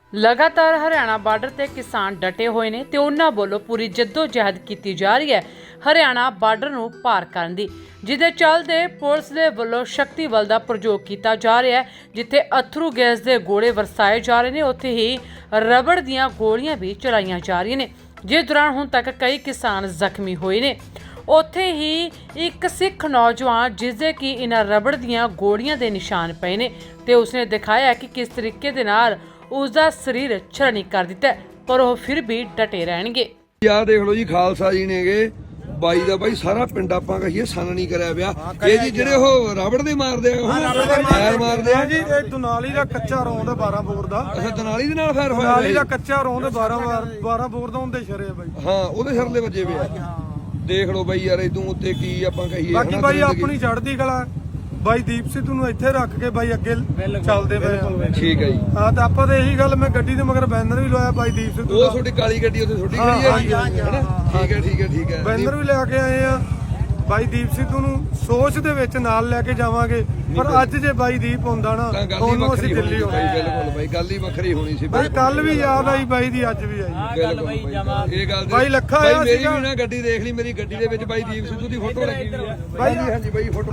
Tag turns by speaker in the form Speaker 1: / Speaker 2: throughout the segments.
Speaker 1: लगातार हरियाणा बार्डर ते किसान डटे हुए ने ते उन्हां ਵੱਲੋਂ पूरी जद्दोजहद की जा रही है हरियाणा बार्डर ਨੂੰ पार ਕਰਨ ਦੀ, ਜਿਹਦੇ ਚੱਲਦੇ ਪੁਲਿਸ ਦੇ ਵੱਲੋਂ ਸ਼ਕਤੀ ਬਲ ਦਾ ਪ੍ਰਯੋਗ ਕੀਤਾ ਜਾ ਰਿਹਾ ਹੈ। ਜਿੱਥੇ ਅਥਰੂ ਗੈਸ ਦੇ ਗੋਲੇ ਵਰਸਾਏ ਜਾ ਰਹੇ ਨੇ, ਉੱਥੇ ਹੀ ਰਬੜ ਦੀਆਂ ਗੋਲੀਆਂ ਵੀ ਚਲਾਈਆਂ ਜਾ ਰਹੀਆਂ ਨੇ, ਜਿਸ ਦੌਰਾਨ ਹੁਣ ਤੱਕ ਕਈ ਕਿਸਾਨ ਜ਼ਖਮੀ ਹੋਏ ਨੇ। ਉੱਥੇ ਹੀ ਇੱਕ ਸਿੱਖ ਨੌਜਵਾਨ ਜਿਸਦੇ ਕਿ ਇਹਨਾਂ ਰਬੜ ਦੀਆਂ ਗੋਲੀਆਂ ਦੇ ਨਿਸ਼ਾਨ ਪਏ ਨੇ ਤੇ ਉਸਨੇ ਦਿਖਾਇਆ ਕਿ ਕਿਸ ਤਰੀਕੇ ਦੇ ਨਾਲ ਉਸਦਾ ਸਰੀਰ ਛਲਣੀ ਕਰ ਦਿੱਤਾ, ਪਰ ਉਹ ਫਿਰ ਵੀ ਡਟੇ ਰਹਿਣਗੇ।
Speaker 2: ਯਾਰ ਦੇਖ ਲਓ ਜੀ, ਖਾਲਸਾ ਜੀ ਨੇਗੇ ਬਾਈ ਦਾ ਬਾਈ ਸਾਰਾ ਪਿੰਡ ਆਪਾਂ ਕਹੀਏ ਸੰਨ ਨਹੀਂ ਕਰਿਆ ਪਿਆ। ਇਹ ਜੀ ਜਿਹੜੇ ਉਹ ਰਬੜ ਦੇ ਮਾਰਦੇ ਆ, ਫਾਇਰ ਮਾਰਦੇ ਆ
Speaker 3: ਜੀ। ਇਹ ਦੁਨਾਲੀ ਦਾ ਕੱਚਾ ਰੌਂਦ 12 ਬੋਰ ਦਾ।
Speaker 2: ਅੱਛਾ, ਦਨਾਲੀ ਦੇ ਨਾਲ ਫਾਇਰ ਹੋਇਆ?
Speaker 3: ਦੁਨਾਲੀ ਦਾ ਕੱਚਾ ਰੌਂਦ 12 ਬੋਰ ਦਾ ਹੁੰਦੇ ਸ਼ਰੇ ਬਾਈ।
Speaker 2: ਹਾਂ, ਉਹਦੇ ਸਿਰ ਦੇ ਵੱਜੇ ਪਿਆ। ਦੇਖ ਲਓ ਬਾਈ ਯਾਰ, ਇਦੋਂ ਉੱਤੇ ਕੀ ਆਪਾਂ ਕਹੀਏ।
Speaker 3: ਬਾਕੀ ਬਾਈ ਆਪਣੀ ਚੜ੍ਹਦੀ ਕਲਾ ਬਾਈ ਦੀਪ ਸਿੱਧੂ ਨੂੰ ਇੱਥੇ ਰੱਖ ਕੇ ਬਾਈ ਅੱਗੇ ਚੱਲਦੇ ਪਏ।
Speaker 2: ਠੀਕ ਹੈ ਜੀ।
Speaker 3: ਹਾਂ, ਤਾਂ ਆਪਾਂ ਤਾਂ ਇਹੀ ਗੱਲ, ਮੈਂ ਗੱਡੀ ਦੇ ਮਗਰ ਬੈਨਰ ਵੀ ਲਵਾਇਆ ਬਾਈ ਦੀਪ ਸਿੱਧੂ
Speaker 2: ਉਹ
Speaker 3: ਦਾ।
Speaker 2: ਤੁਹਾਡੀ ਕਾਲੀ ਗੱਡੀ ਉੱਥੇ ਤੁਹਾਡੀ ਖੜੀ ਹੈ ਜੀ, ਹੈਨਾ? ਠੀਕ ਹੈ ਠੀਕ ਹੈ ਠੀਕ ਹੈ।
Speaker 3: ਬੈਨਰ ਵੀ ਲੈ ਕੇ ਆਏ ਆ ਬਾਈ ਦੀਪ ਸਿੱਧੂ ਨੂੰ ਸੋਚ ਦੇ ਵਿੱਚ ਨਾਲ ਲੈ ਕੇ ਜਾਵਾਂਗੇ। ਪਰ ਅੱਜ ਜੇ ਬਾਈ ਦੀਪ ਹੁੰਦਾ ਨਾ, ਉਹਨੂੰ ਅਸੀਂ ਦਿੱਲੀ ਹੋਣੀ।
Speaker 2: ਬਿਲਕੁਲ ਬਾਈ, ਗੱਲ ਹੀ ਵੱਖਰੀ ਹੋਣੀ ਸੀ
Speaker 3: ਬਾਈ। ਕੱਲ ਵੀ ਯਾਦ ਆਈ ਬਾਈ ਦੀ, ਅੱਜ ਵੀ ਆਈ।
Speaker 2: ਬਿਲਕੁਲ ਬਾਈ, ਇਹ ਗੱਲ
Speaker 3: ਬਾਈ ਲੱਖਾ
Speaker 2: ਬਾਈ
Speaker 3: ਆਇਆ
Speaker 2: ਮੇਰੀ
Speaker 3: ਸੀਗਾ।
Speaker 2: ਵੀ ਨਾ ਗੱਡੀ ਦੇਖ ਲਈ, ਮੇਰੀ ਗੱਡੀ ਦੇ ਵਿੱਚ ਬਾਈ ਦੀਪ ਸਿੱਧੂ ਦੀ ਫੋਟੋ ਲੱਗੀ ਹੋਈ ਹੈ।
Speaker 3: ਬਾਈ
Speaker 2: ਹਾਂਜੀ ਬਾਈ, ਫੋਟੋ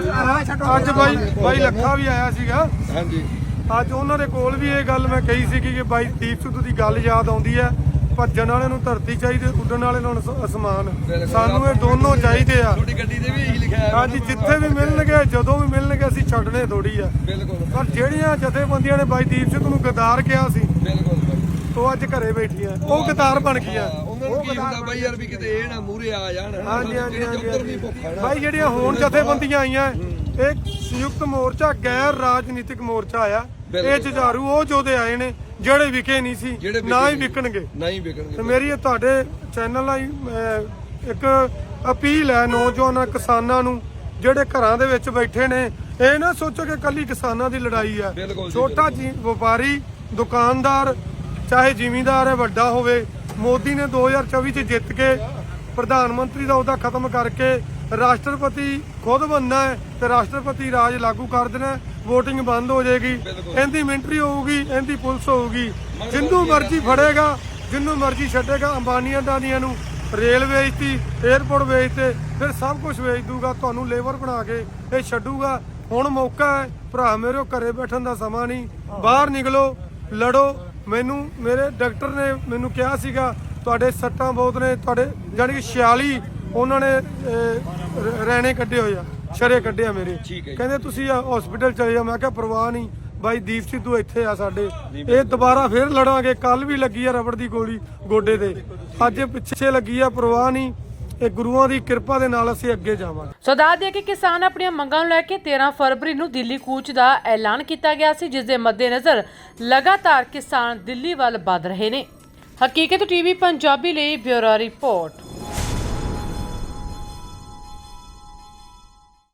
Speaker 3: ਅੱਜ ਬਾਈ ਲੱਖਾ ਵੀ ਆਇਆ ਸੀਗਾ।
Speaker 2: ਹਾਂਜੀ,
Speaker 3: ਅੱਜ ਉਹਨਾਂ ਦੇ ਕੋਲ ਵੀ ਇਹ ਗੱਲ ਮੈਂ ਕਹੀ ਸੀਗੀ ਕਿ ਬਾਈ ਦੀਪ ਸਿੱਧੂ ਦੀ ਗੱਲ ਯਾਦ ਆਉਂਦੀ ਹੈ। ਭੱਜਣ ਵਾਲੇ ਨੂੰ ਧਰਤੀ ਚਾਹੀਦੀ, ਉੱਡਣ ਵਾਲੇ ਨੂੰ ਅਸਮਾਨ। ਸਾਨੂੰ ਇਹ ਦੋਨੋਂ ਚਾਹੀਦੇ ਆ।
Speaker 2: ਤੁਹਾਡੀ ਗੱਡੀ ਦੇ ਵੀ ਇਹੀ ਲਿਖਿਆ ਹੈ।
Speaker 3: ਹਾਂਜੀ, ਜਿੱਥੇ ਵੀ ਮਿਲਣਗੇ, ਜਦੋਂ ਵੀ ਮਿਲਣਗੇ, ਅਸੀਂ ਛੱਡਣੇ ਥੋੜੀ ਆ।
Speaker 2: ਬਿਲਕੁਲ।
Speaker 3: ਪਰ ਜਿਹੜੀਆਂ ਜਥੇਬੰਦੀਆਂ ਨੇ ਬਾਈ ਦੀਪ ਸਿੱਧੂ ਨੂੰ ਗਦਾਰ ਕਿਹਾ ਸੀ,
Speaker 2: ਬਿਲਕੁਲ
Speaker 3: ਉਹ ਅੱਜ ਘਰੇ ਬੈਠੀਆਂ, ਉਹ ਗਦਾਰ ਬਣ ਗਈਆਂ।
Speaker 2: ਉਹਨਾਂ ਨੂੰ ਕੀ ਹੁੰਦਾ ਬਾਈ ਯਾਰ, ਵੀ ਕਿਤੇ ਇਹ ਨਾ ਮੂਹਰੇ ਆ ਜਾਣ।
Speaker 3: ਹਾਂਜੀ ਬਾਈ, ਜਿਹੜੀਆਂ ਹੁਣ ਜਥੇਬੰਦੀਆਂ ਆਈਆਂ, ਇਹ ਸੰਯੁਕਤ ਮੋਰਚਾ ਗੈਰ ਰਾਜਨੀਤਿਕ ਮੋਰਚਾ ਆਇਆ। ਇਹ ਜੁਝਾਰੂ ਉਹ ਯੋਧੇ ਆਏ ਨੇ ਜਿਹੜੇ ਵਿਕੇ ਨਹੀਂ ਸੀ, ਨਾ ਹੀ ਵਿਕਣਗੇ।
Speaker 2: ਨਹੀਂ ਵਿਕਣਗੇ।
Speaker 3: ਤੇ ਮੇਰੀ ਤੁਹਾਡੇ ਚੈਨਲ ਨਾਲ ਇੱਕ ਅਪੀਲ ਹੈ ਨੌਜਵਾਨਾਂ ਕਿਸਾਨਾਂ ਨੂੰ ਜਿਹੜੇ ਘਰਾਂ ਦੇ ਵਿੱਚ ਬੈਠੇ ਨੇ। ਇਹ ਨਾ ਸੋਚੋ ਕਿ ਕੱਲੀ ਕਿਸਾਨਾਂ ਦੀ ਲੜਾਈ ਹੈ। ਛੋਟਾ ਵਪਾਰੀ, ਦੁਕਾਨਦਾਰ, ਚਾਹੇ ਜ਼ਿਮੀਂਦਾਰ ਹੈ, ਵੱਡਾ ਹੋਵੇ। ਮੋਦੀ ਨੇ 2024 ਚ ਜਿੱਤ ਕੇ ਪ੍ਰਧਾਨ ਮੰਤਰੀ ਦਾ ਅਹੁਦਾ ਖਤਮ ਕਰਕੇ ਰਾਸ਼ਟਰਪਤੀ ਖੁਦ ਬਣਨਾ ਹੈ ਤੇ ਰਾਸ਼ਟਰਪਤੀ ਰਾਜ ਲਾਗੂ ਕਰ ਦੇਣਾ। ਵੋਟਿੰਗ ਬੰਦ ਹੋ ਜਾਏਗੀ, ਇਹਦੀ ਮਿਲਟਰੀ ਹੋਊਗੀ, ਇਹਦੀ ਪੁਲਿਸ ਹੋਊਗੀ। ਜਿੰਨੂੰ ਮਰਜ਼ੀ ਫੜੇਗਾ, ਜਿੰਨੂੰ ਮਰਜ਼ੀ ਛੱਡੇਗਾ। ਅੰਬਾਨੀਆਂ ਦਾਨੀਆਂ ਨੂੰ ਰੇਲ ਵੇਚਤੀ, 에ਅਰਪੋਰਟ ਵੇਚਤੇ, ਫਿਰ ਸਭ ਕੁਝ ਵੇਚ ਦੂਗਾ, ਤੁਹਾਨੂੰ ਲੇਬਰ ਬਣਾ ਕੇ ਇਹ ਛੱਡੂਗਾ। ਹੁਣ ਮੌਕਾ ਹੈ ਭਰਾ ਮੇਰੇ, ਘਰੇ ਬੈਠਣ ਦਾ ਸਮਾਂ ਨਹੀਂ। ਬਾਹਰ ਨਿਕਲੋ, ਲੜੋ। ਮੇਰੇ ਡਾਕਟਰ ਨੇ ਮੈਨੂੰ ਕਿਹਾ ਸੀਗਾ ਤੁਹਾਡੇ ਸੱਟਾਂ ਬਹੁਤ ਨੇ, ਤੁਹਾਡੇ ਜਾਣੀ ਕਿ 46 ਉਹਨਾਂ ਨੇ ਰਹਿਣੇ ਕੱਢੇ ਹੋਏ ਆ, ਸ਼ਰੇ ਕੱਢੇ ਆ ਮੇਰੇ। ਕਹਿੰਦੇ ਤੁਸੀਂ ਹਸਪੀਟਲ ਚਲੇ ਜਾ। ਮੈਂ ਕਿਹਾ ਪਰਵਾਹ ਨਹੀਂ ਬਾਈ, ਦੀਪ ਸਿੱਧੂ ਇੱਥੇ ਆ ਸਾਡੇ। ਇਹ ਦੁਬਾਰਾ ਫੇਰ ਲੜਾਂਗੇ। ਕੱਲ ਵੀ ਲੱਗੀ ਆ ਰਬੜ ਦੀ ਗੋਲੀ ਗੋਡੇ ਤੇ, ਅੱਜ ਪਿੱਛੇ ਲੱਗੀ ਆ। ਪਰਵਾਹ ਨਹੀਂ, ਇਹ ਗੁਰੂਆਂ ਦੀ ਕਿਰਪਾ ਦੇ ਨਾਲ ਅਸੀਂ ਅੱਗੇ ਜਾਵਾਂਗੇ।
Speaker 1: ਸੋ ਦੱਸ ਦਈਏ ਕਿ ਕਿਸਾਨ ਆਪਣੀਆਂ ਮੰਗਾਂ ਨੂੰ ਲੈ ਕੇ 13 ਫਰਵਰੀ ਨੂੰ ਦਿੱਲੀ ਕੂਚ ਦਾ ਐਲਾਨ ਕੀਤਾ ਗਿਆ ਸੀ, ਜਿਸ ਦੇ ਮੱਦੇਨਜ਼ਰ ਲਗਾਤਾਰ ਕਿਸਾਨ ਦਿੱਲੀ ਵੱਲ ਵਧ ਰਹੇ ਨੇ। ਹਕੀਕਤ ਟੀਵੀ ਪੰਜਾਬੀ ਲਈ ਬਿਊਰੋ ਰਿਪੋਰਟ।